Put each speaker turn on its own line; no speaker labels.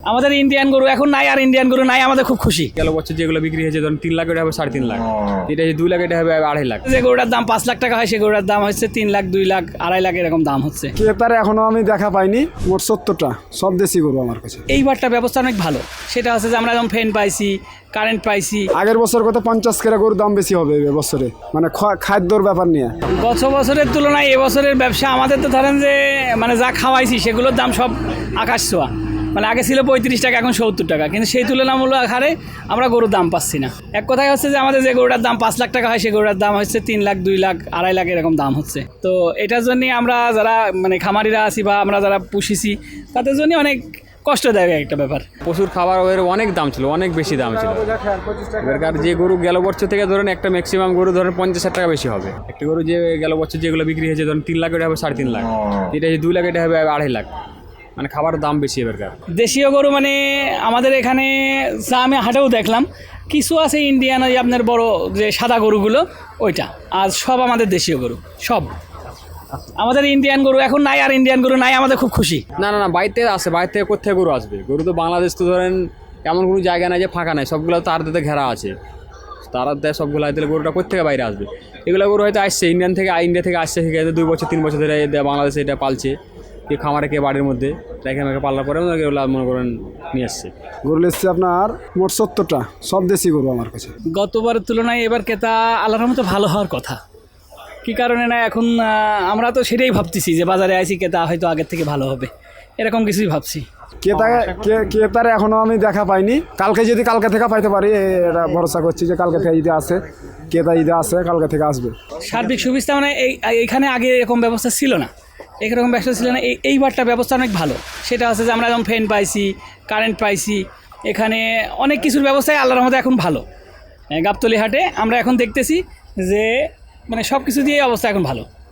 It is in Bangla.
আমাদের ইন্ডিয়ান গরু এখন নাই, আর ইন্ডিয়ান গরু নাই, আমাদের খুব খুশি।
গেল বছর যেগুলো বিক্রি হয়েছে ধরুন 3 লাখ, এটা হবে 3.5 লাখ, এটা 2 লাখ, এটা হবে 2.5 লাখ।
যে গরুটার দাম 5 লাখ টাকা হয়, সেই গরুটার দাম হচ্ছে 3 লাখ, 2 লাখ, 2.5 লাখ এরকম দাম হচ্ছে।
ক্রেতার এখনো আমি দেখা পাইনি, মোট 70টা, সব দেশি গরু আমার কাছে।
এইবারটা ব্যবস্থা অনেক ভালো, সেটা হচ্ছে যে আমরা যেমন ফ্যান পাইছি, কারেন্ট পাইছি।
আগের বছর কত 50 কেরা গরুর দাম বেশি হবে এবছরে, মানে খাদ্যর ব্যাপার নিয়ে।
গত বছরের তুলনায় এবছরের ব্যবসা আমাদের তো ধরেন যে মানে যা খাওয়াইছি সেগুলোর দাম সব আকাশ ছোঁয়া। মানে আগে ছিল 35 টাকা, এখন 70 টাকা, কিন্তু সেই তুলনামূলক হারে আমরা গরুর দাম পাচ্ছি না। এক কথায় হচ্ছে যে আমাদের যে গরুটার দাম 5 লাখ টাকা হয়, সেই গরুটার দাম হচ্ছে 3 লাখ, 2 লাখ, 2.5 লাখ এরকম দাম হচ্ছে। তো এটার জন্যই আমরা যারা মানে খামারিরা আছি বা আমরা যারা পুষিছি তাদের জন্য অনেক কষ্টদায়ক একটা ব্যাপার।
পশুর খাবার ওদের অনেক দাম ছিল, অনেক বেশি দাম ছিল। এবারকার যে গরু গেল বছর থেকে ধরেন একটা ম্যাক্সিমাম গরু ধরেন 50,000 টাকা বেশি হবে। একটা গরু যে গেল বছর যেগুলো বিক্রি হয়েছে ধরেন 3 লাখ, এটা হবে 3.5 লাখ, এটা 2 লাখ, এটা হবে 2.5 লাখ। মানে খাবার দাম বেশি এবারকার।
দেশীয় গরু মানে আমাদের এখানে যা আমি হাটেও দেখলাম, কিছু আছে ইন্ডিয়ান, ওই আপনার বড় যে সাদা গরুগুলো ওইটা, আর সব আমাদের দেশীয় গরু সব। আমাদের ইন্ডিয়ান গরু এখন নাই, আর ইন্ডিয়ান গরু নাই, আমাদের খুব খুশি।
না না না, বাইরে আসে, বাইরে থেকে কোথায় গরু আসবে? গরু তো বাংলাদেশ তো ধরেন এমন কোনো জায়গা নাই যে ফাঁকা নাই, সবগুলো তার দিতে ঘেরা আছে, তারা দেয় সবগুলো দিলে গরুটা কোথেকে বাইরে আসবে? এগুলো গরু হয়তো আসছে ইন্ডিয়া থেকে আসছে, ঠিক আছে 2 বছর 3 বছর ধরে বাংলাদেশে এটা পালছে, কে খামারে কে বাড়ির মধ্যে রেখে মেখে পাল্লার পরে এগুলো মনে করেন নিয়ে আসছে।
গরু এসছে আপনার মোট 70টা, সব দেশি গরু আমার কাছে।
গতবারের তুলনায় এবার ক্রেতা আল্লাহর মতো ভালো হওয়ার কথা। কী কারণে না, এখন আমরা তো সেটাই ভাবতেছি যে বাজারে আইছি, ক্রেতা হয়তো আগের থেকে ভালো হবে, এরকম কিছুই ভাবছি।
ক্রেতার এখনো আমি দেখা পাইনি, কালকে থেকে পাইতে পারি, এটা ভরসা করছি যে কালকে থেকে ঈদে আসে, ক্রেতা ঈদে আসে, কালকে থেকে আসবে।
সার্বিক সুবিধা মানে এইখানে আগে এরকম ব্যবস্থা ছিল না, এরকম ব্যবস্থা ছিল না। এইবারটা ব্যবস্থা অনেক ভালো, সেটা হচ্ছে যে আমরা যেমন ফ্যান পাইছি, কারেন্ট পাইছি, এখানে অনেক কিছুর ব্যবস্থাই আল্লাহর মধ্যে এখন ভালো। গাবতলী হাটে আমরা এখন দেখতেছি যে মানে সব কিছু দিয়ে অবস্থা এখন ভালো।